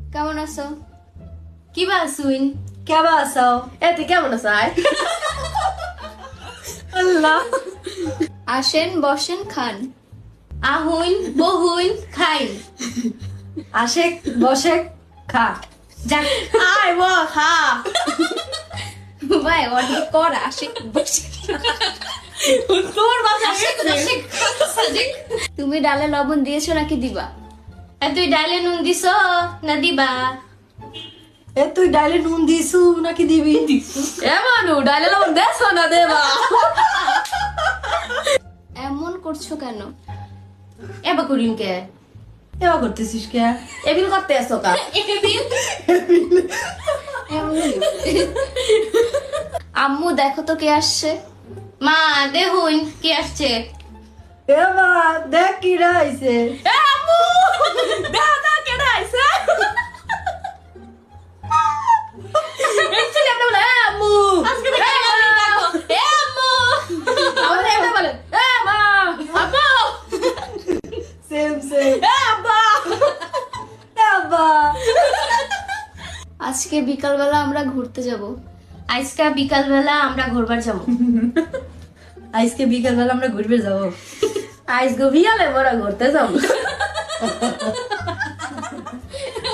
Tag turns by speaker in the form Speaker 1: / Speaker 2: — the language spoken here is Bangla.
Speaker 1: কেমন আছো?
Speaker 2: কি বাসুইন
Speaker 3: কেমন আছো?
Speaker 2: তুই কেমন আছো?
Speaker 3: আল্লাহ,
Speaker 1: আসেন বসেন খান।
Speaker 2: আহুইন বহুইন খাইন।
Speaker 3: আসে বসে খা।
Speaker 2: যাক আয় ও খা।
Speaker 1: ভাই অনেক কর আসে বসে।
Speaker 2: তোর বাসা
Speaker 1: আসে বসে খা। তুমি ডালে লবণ দিয়েছো নাকি দিবা?
Speaker 2: তুই ডাইলে নুন দিছ না দিবা?
Speaker 3: তুই ডাইলে নুন দিছু নাকি দিবি?
Speaker 2: মানু ডাইলে লবণ দেছ না দেবা?
Speaker 1: এমন করছো কেন?
Speaker 2: এবার করিম কে?
Speaker 3: এবার করতেছিস কে?
Speaker 2: এবিল করতে আসো কা?
Speaker 1: আম্মু দেখো তো কে আসছে।
Speaker 2: মা দেহুন কি আসছে?
Speaker 3: এবার দেখ কি রাইছে।
Speaker 2: আম্মু দেখা না কেডা আইছে? এই ছেলে আপনি বলে আম্মু আজকে দেখে দেখো আম্মু আমাদের এটা বলে মা আব্বু
Speaker 3: সেম সেম।
Speaker 2: আব্বা
Speaker 3: আব্বা,
Speaker 1: আজকে বিকালবেলা আমরা ঘুরতে যাব।
Speaker 2: আজকে বিকাল বেলা আমরা ঘুরবার যাবো।
Speaker 3: আজকে বিকাল বেলা আমরা ঘুরবে যাবো।
Speaker 2: আজকে বিকালে বড় ঘুরতে যাবো।